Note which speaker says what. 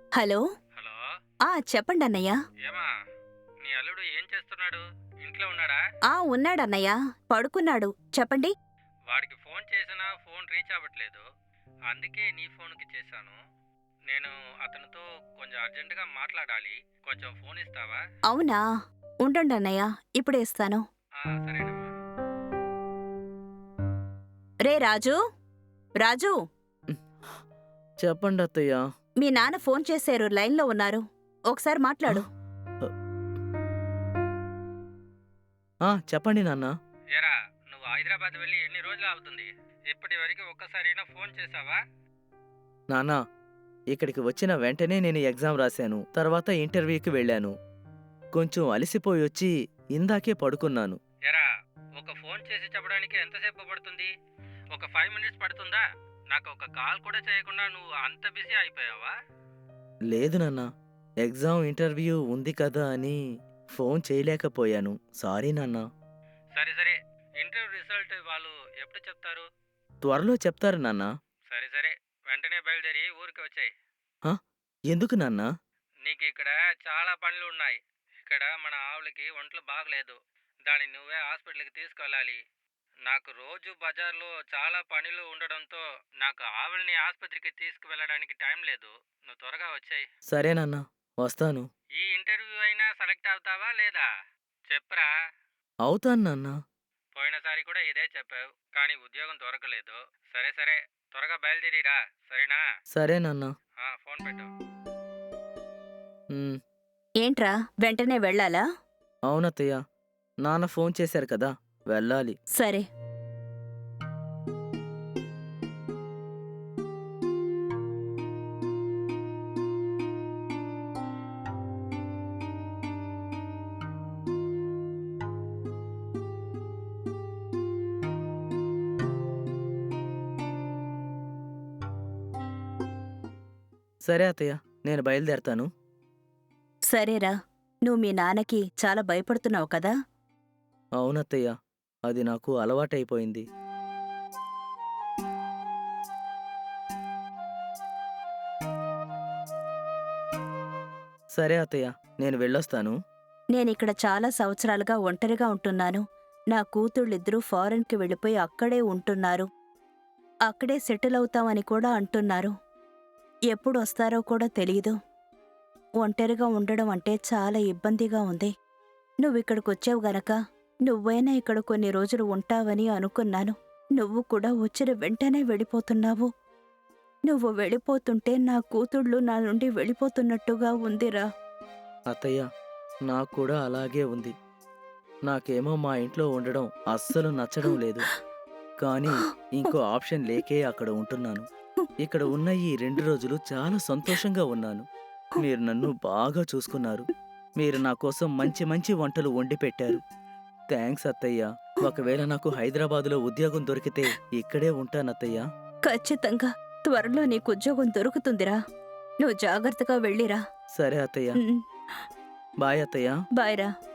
Speaker 1: Hello.
Speaker 2: Hello.
Speaker 1: చెప్పండి అన్నయ్య.
Speaker 2: ఏమా, నీ అల్లుడు ఏం చేస్తున్నాడు? ఇంట్లో ఉన్నాడా?
Speaker 1: ఉన్నాడన్నయ్య. పడుకున్నాడు. చెప్పండి.
Speaker 2: వాడికి ఫోన్ చేసినా ఫోన్ రీచ్ అవ్వట్లేదు. అందుకే నీ ఫోన్కి చేశాను. నేను అతనితో కొంచెం అర్జెంటుగా మాట్లాడాలి. కొంచెం ఫోన్ ఇస్తావా?
Speaker 1: అవునా? ఉండండి అన్నయ్య, ఇప్పుడే ఇస్తాను.
Speaker 2: సరేనమ్మా.
Speaker 1: రే రాజు, రాజు,
Speaker 3: చెప్పండి అత్తయ్య.
Speaker 1: మీ నాన్న ఫోన్ చేశారు, లైన్లో ఉన్నారు. ఒకసారి మాట్లాడు.
Speaker 3: చెప్పండి నాన్న.
Speaker 2: ఏరా, నువ్వు హైదరాబాద్ వెళ్ళి ఎన్ని రోజులు అవుతుంది? ఇప్పటి వరకు ఒక్కసారైనా ఫోన్ చేసావా?
Speaker 3: నాన్న, ఇక్కడికి వచ్చిన వెంటనే నేను ఎగ్జామ్ రాశాను. తర్వాత ఇంటర్వ్యూకి వెళ్ళాను. కొంచెం అలసిపోయి వచ్చి ఇందాకే పడుకున్నాను.
Speaker 2: ఏరా, ఒక ఫోన్ చేసి చెప్పడానికి ఎంతసేపు పడుతుంది? ఒక 5 మినిట్స్ పడుతుందా? నాకు ఒక కాల్ కూడా చేయకుండా నువ్వు అంత బిజీ అయిపోయావా?
Speaker 3: లేదు నాన్న, ఎగ్జామ్ ఇంటర్వ్యూ ఉంది కదా అని ఫోన్ చేయలేకపోయాను. సారీ నాన్న.
Speaker 2: సరే సరే, ఇంటర్వ్యూ రిజల్ట్ వాళ్ళు ఎప్పుడు చెప్తారు?
Speaker 3: త్వరలో చెప్తారు నాన్న.
Speaker 2: సరే సరే, వెంటనే బయలుదేరి ఊరికి వచ్చాయి.
Speaker 3: ఎందుకు నాన్న?
Speaker 2: నీకు ఇక్కడ చాలా పనులు ఉన్నాయి. ఇక్కడ మన ఆవులకి ఒంట్లో బాగలేదు. దాన్ని నువ్వే హాస్పిటల్కి తీసుకెళ్ళాలి. నాకు రోజు బజార్లో చాలా పనులు ఉండడంతో నాకు ఆవుల్ని ఆసుపత్రికి తీసుకువెళ్ళడానికి టైం లేదు. నువ్వు త్వరగా వచ్చాయి.
Speaker 3: సరే నాన్న, వస్తాను.
Speaker 2: ఈ ఇంటర్వ్యూ అయినా సెలెక్ట్ అవుతావా లేదా? చెప్పరా.
Speaker 3: అవుతాను నాన్న.
Speaker 2: పోయినసారి కూడా ఇదే చెప్పావు, కానీ ఉద్యోగం దొరకలేదు. సరే సరే, త్వరగా బయలుదేరిరా, సరేనా?
Speaker 3: సరే నాన్న.
Speaker 2: ఫోన్ పెట్టు.
Speaker 1: ఏంట్రా, వెంటనే వెళ్ళాలా?
Speaker 3: అవునత్తయ్య, నాన్న ఫోన్ చేశారు కదా, వెళ్ళాలి.
Speaker 1: సరే.
Speaker 3: సరే అత్తయ్య, నేను బయలుదేరతాను.
Speaker 1: సరేరా. నువ్వు మీ నాన్నకి చాలా భయపడుతున్నావు కదా?
Speaker 3: అవునత్తయ్య, అది నాకు అలవాటైపోయింది. సరే అత్తయ్య, నేను వెళ్ళొస్తాను.
Speaker 1: నేనిక్కడ చాలా సంవత్సరాలుగా ఒంటరిగా ఉంటున్నాను. నా కూతుళ్ళిద్దరూ ఫారెన్కి వెళ్ళిపోయి అక్కడే ఉంటున్నారు. అక్కడే సెటిల్ అవుతామని కూడా అంటున్నారు. ఎప్పుడు వస్తారో కూడా తెలీదు. ఒంటరిగా ఉండడం అంటే చాలా ఇబ్బందిగా ఉంది. నువ్విక్కడికొచ్చావు గనక నువ్వైనా ఇక్కడ కొన్ని రోజులు ఉంటావని అనుకున్నాను. నువ్వు కూడా వచ్చిన వెంటనే వెళ్ళిపోతున్నావు. నువ్వు వెళ్ళిపోతుంటే నా కూతుళ్ళు నా నుండి వెళ్ళిపోతున్నట్టుగా ఉందిరా.
Speaker 3: అత్తయ్య, నాకు కూడా అలాగే ఉంది. నాకేమో మా ఇంట్లో ఉండడం అస్సలు నచ్చడం లేదు. కానీ ఇంకో ఆప్షన్ లేకే అక్కడ ఉంటున్నాను. ఇక్కడ ఉన్న ఈ 2 రోజులు చాలా సంతోషంగా ఉన్నాను. మీరు నన్ను బాగా చూసుకున్నారు. మీరు నా కోసం మంచి మంచి వంటలు వండి పెట్టారు. థ్యాంక్స్ అత్తయ్య. ఒకవేళ నాకు హైదరాబాదులో ఉద్యోగం దొరికితే ఇక్కడే ఉంటానత్తయ్య.
Speaker 1: ఖచ్చితంగా త్వరలో నీకు ఉద్యోగం దొరుకుతుందిరా. నువ్వు జాగ్రత్తగా వెళ్ళిరా.
Speaker 3: సరే అత్తయ్య. బాయ్ అత్తయ్య.
Speaker 1: బాయ్రా.